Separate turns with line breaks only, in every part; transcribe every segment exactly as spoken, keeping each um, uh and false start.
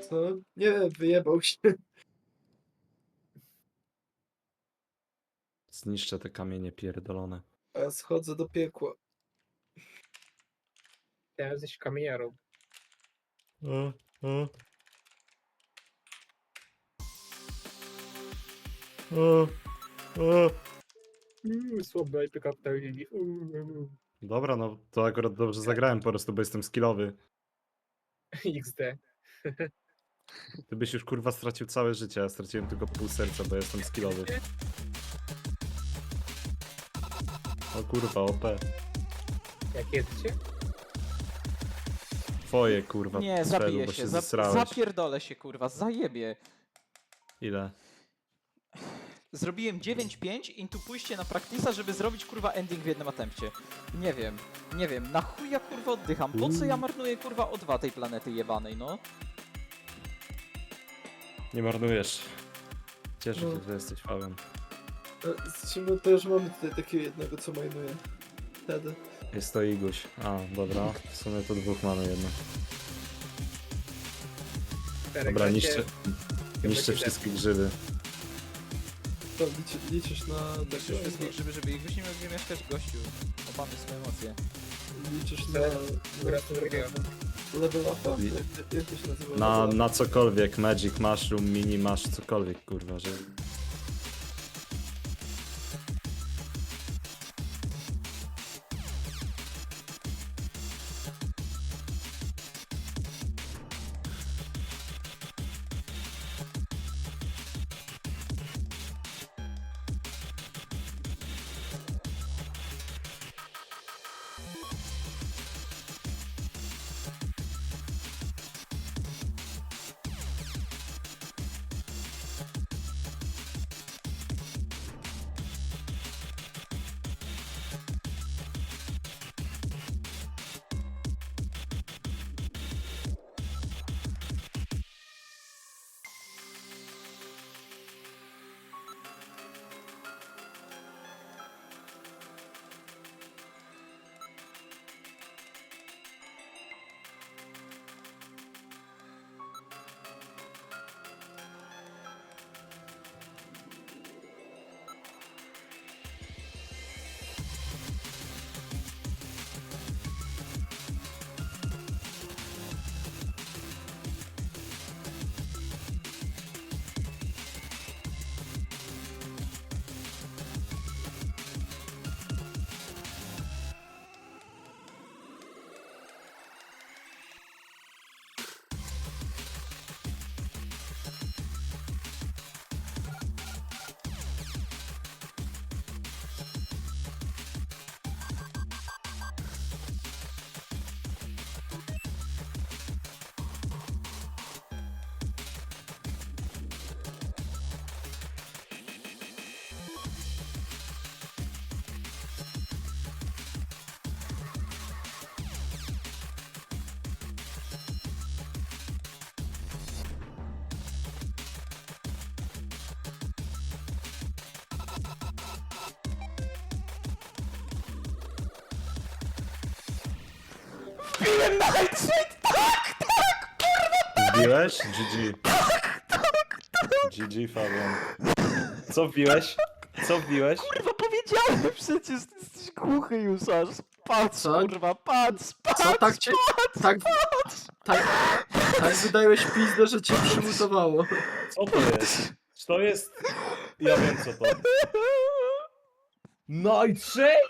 No, nie, wyjebał się.
Zniszczę te kamienie pierdolone.
A ja schodzę do piekła.
Teraz jesteś kamieniarą.
O, o. O, o.
Uuu, słabe I P kapitalizm. Uuu,
Dobra, no to akurat dobrze zagrałem po prostu, bo jestem skillowy.
X D.
Ty byś już kurwa stracił całe życie, a ja straciłem tylko pół serca, bo jestem skillowy. O kurwa, O P.
Jak jesteście?
Twoje kurwa,
Nie,
strzelu,
zabiję
bo
się,
się
za,
zesrałeś.
zapierdolę się kurwa, zajebie.
Ile?
Zrobiłem dziewięć pięć i tu pójście na praktisa, żeby zrobić kurwa ending w jednym atempcie. Nie wiem, nie wiem, na chuj ja kurwa oddycham, po co ja marnuję kurwa O dwa tej planety jebanej, no?
Nie marnujesz. Cieszę
No.
się, że jesteś Fabian.
A Z czym też mamy tutaj takiego jednego, co majnuje. Wtedy.
Jest to Iguś. A, dobra. W sumie to dwóch mamy jedno.
Czterech
Dobra,
gracie.
niszczę, niszczę
będzie
wszystkie grzyby.
To liczy, liczysz na
Liczysz
takiego,
wszystkich, żeby, żeby ich byśmy mogli mieszkać gościu. Opamy swoje emocje.
liczysz na...
Gratuluję.
Level upa?
Li-
Jak, jak to się nazywa?
Na,
Level up?
na cokolwiek, Magic Mushroom, Mini Mash, cokolwiek kurwa, że...
Wbiłem na Nightshade! Tak, tak, kurwa!
Wbiłeś? G G. G G, Fabian. Co wbiłeś? Co wbiłeś?
Kurwa, powiedziałem przecież, ty jesteś głuchy już aż. Patrz,
Co?
kurwa, patrz, patrz,
Co, tak cię... Tak, tak, tak wydałeś pizdę, że cię przymutowało.
Co to jest? Czy to jest... Ja wiem co to. Nightshade?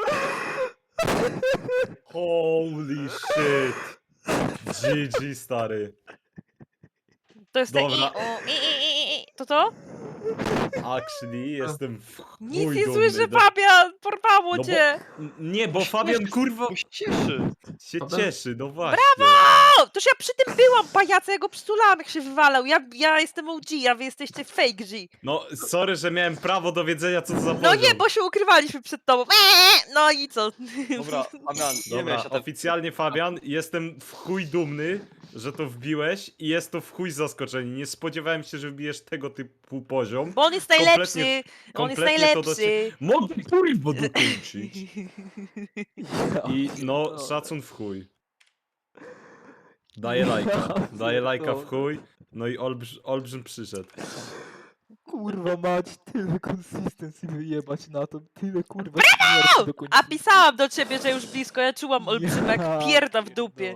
Holy shit. G G, stary.
To jest te i,
Dobra.
u, i, i, i, i. To to?
Actually, jestem w
Nic
chuj
nie
dumny,
słyszę,
no-
Fabian! Porwało
No bo-
cię!
N- Nie, bo Fabian kurwa
Bo się cieszy.
się
Fabian-
cieszy, no właśnie.
O, toż ja przy tym byłam, pajaca, ja go przytulałam, jak się wywalał. Ja, ja jestem O G, a wy jesteście fake G.
No, sorry, że miałem prawo do wiedzenia, co to za
No
poziom.
nie, bo się ukrywaliśmy przed tobą. Eee, no i co?
Dobra, Amian, nie
Dobra,
miałeś na ten...
oficjalnie Fabian, jestem w chuj dumny, że to wbiłeś i jest to w chuj zaskoczenie. Nie spodziewałem się, że wbijesz tego typu poziom.
Bo on jest
Kompletnie-
najlepszy! On jest
kompletnie to do
najlepszy!
Mogę kurwa dokończyć.
Ja
I no,
pierdolę.
szacun w chuj. Daję lajka,
Ja
daję lajka w
pierdolę.
chuj. No i olbrz, olbrzym przyszedł.
Kurwa mać, tyle consistency wyjebać na to, tyle kurwa śmierci do końca.
A pisałam do ciebie, że już blisko, ja czułam olbrzymek, pierda w dupie.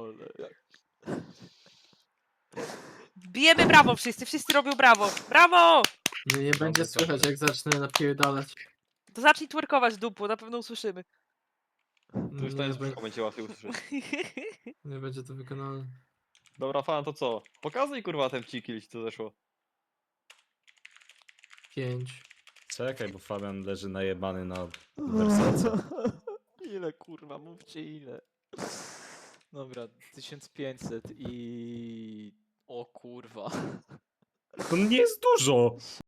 Bijemy brawo wszyscy, wszyscy robią brawo. Brawo!
Nie, nie będzie słychać jak zacznę napierdalać.
To zacznij twerkować dupu, na pewno usłyszymy.
To już
Nie,
tańczysz,
be-
będzie łatwiej usłyszeć.
nie będzie to wykonane.
Dobra, fan, to co? Pokazuj kurwa ten pciki, co zeszło.
Pięć.
Czekaj, bo Fabian leży najebany na wersace.
Ile kurwa, mówcie ile. Dobra, tysiąc pięćset i... O kurwa.
To nie jest dużo!